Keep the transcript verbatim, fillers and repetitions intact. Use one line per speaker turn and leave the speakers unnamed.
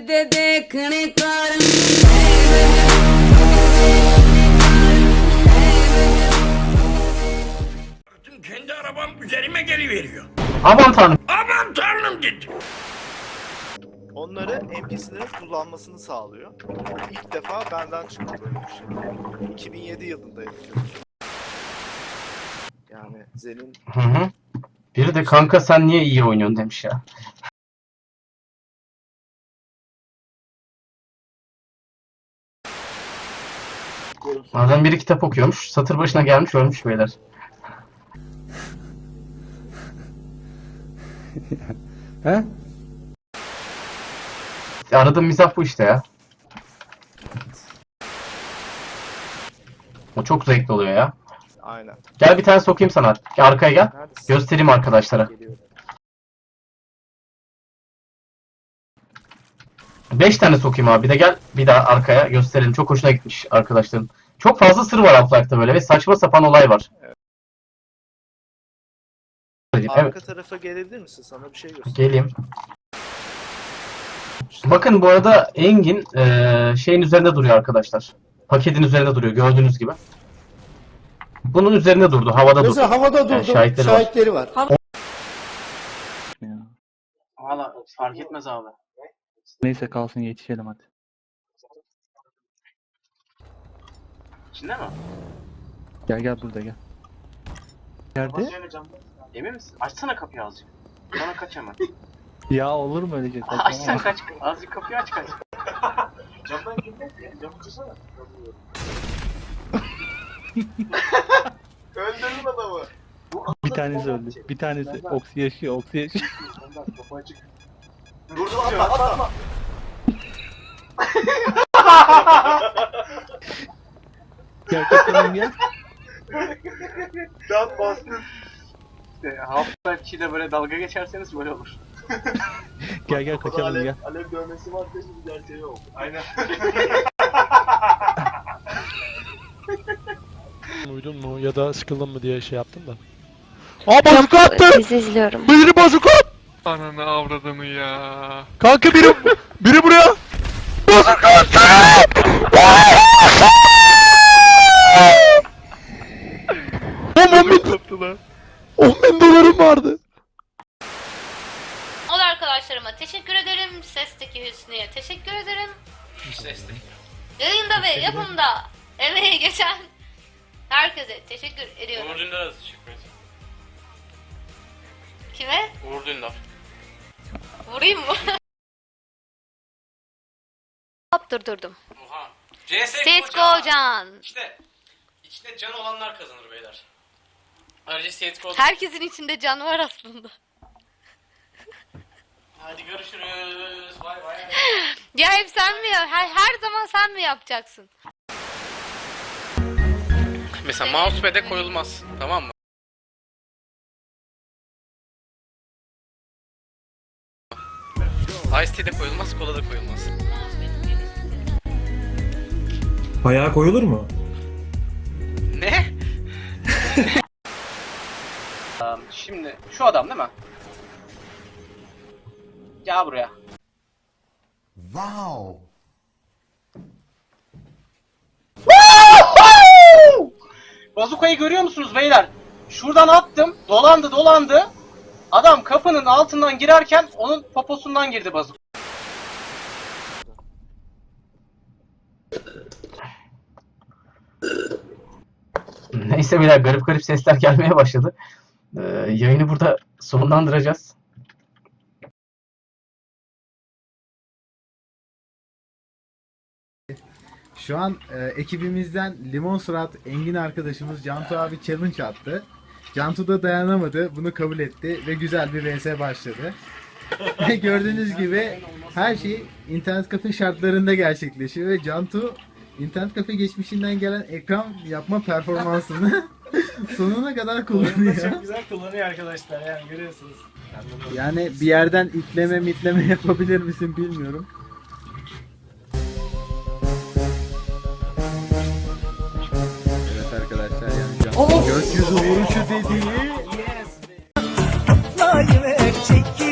de देखने का
Kendi arabam üzerime geliveriyor.
Aman tanrım.
Aman tanrım dedi.
Onları N P C'lerin kullanmasını sağlıyor. İlk defa benden çıktı böyle bir şey. iki bin yedi yılında yapıyorum. Yani Zen'in
Hı hı. Biri de kanka sen niye iyi oynuyorsun demiş ya. Adam biri kitap okuyormuş. Satır başına gelmiş ölmüş beyler.
He?
Aradığım mizah bu işte ya. O çok zevkli oluyor ya.
aynen.
Gel bir tane sokayım sana. Gel arkaya gel.
Neredesin?
Göstereyim arkadaşlara.
Geliyorum.
Beş tane sokayım abi. Bir de gel bir daha arkaya gösterelim. Çok hoşuna gitmiş arkadaşların. Çok fazla sır var Half-Life'da böyle ve saçma sapan olay var. Evet.
Arka tarafa gelebilir misin? Sana bir şey göstereyim.
Geleyim. Bakın bu arada Engin eee, şeyin üzerinde duruyor arkadaşlar. Paketin üzerinde duruyor gördüğünüz gibi. Bunun üzerinde durdu, havada durdu.
Mesela havada durdu.
şahitleri var.
şahitleri var.
Valla fark etmez abi.
Neyse kalsın yetişelim hadi.
İçinde mi?
Gel gel burada gel. Nerede?
Emin misin? Açsana kapıyı azıcık. Bana kaç hemen.
Ya olur mu öyle şey?
Açsana kaç. Azıcık kapıyı aç kaç. Camdan girmek ya. Camı tutsana. Öldürdün adamı.
Bir tanesi öldü. Bir tanesi oksi yaşıyor, oksi yaşıyor.
Vurdum atma atma.
Gel kaçalım gel.
Rahat bastın. İşte Half-Life iki'de böyle dalga geçerseniz böyle olur.
Gel gel kaçalım gel.
Alev dövmesi var da şimdi gerçeği yok. Aynen.
Uydun mu ya da sıkıldın mı diye şey yaptım da. Aa bazuka attı!
Dizi izliyorum.
Biri bazuka at!
Ananı avradını ya.
Kanka biri, biri buraya! Bazuka attı! on bin, on bin dolarım vardı.
Ol arkadaşlarıma teşekkür ederim. Sesteki Hüsnü'ye teşekkür ederim.
Sesteki.
Yayında ve yapımda emeği geçen herkese teşekkür ediyorum.
Uğur Dündar'a da teşekkür ederim.
Kime?
Uğur Dündar.
Vurayım mı? Hop durdurdum.
Oha. C S
C S G O Can.
İşte içinde can olanlar kazanır beyler. Ayrıca C S G O'da...
Herkesin içinde can var aslında.
Hadi görüşürüz. Bay bay.
Ya hep sen mi ya? Her, her zaman sen mi yapacaksın?
Mesela mousepad'e koyulmaz. Tamam mı? Ice Tea'de koyulmaz, kola da koyulmaz.
Bayağı koyulur mu?
Ne?
Şimdi şu adam değil mi? Gel buraya.
Wow.
Bazukayı görüyor musunuz beyler? Şuradan attım, dolandı dolandı. Adam kapının altından girerken onun poposundan girdi bazuk. Neyse beyler garip garip sesler gelmeye başladı. Ee, yayını burada sonlandıracağız.
Şu an e, ekibimizden Limon Surat Engin arkadaşımız Cantu abi challenge attı. Cantu da dayanamadı, bunu kabul etti ve güzel bir V S başladı. Ve gördüğünüz gibi her şey internet kafe şartlarında gerçekleşiyor ve Cantu internet kafe geçmişinden gelen ekran yapma performansını sonuna kadar kullanıyor.
Çok güzel kullanıyor arkadaşlar yani görüyorsunuz.
Yani bir yerden itleme mitleme yapabilir misin bilmiyorum. Evet arkadaşlar yani Cantu gökyüzü vuruşu dediği. Yes.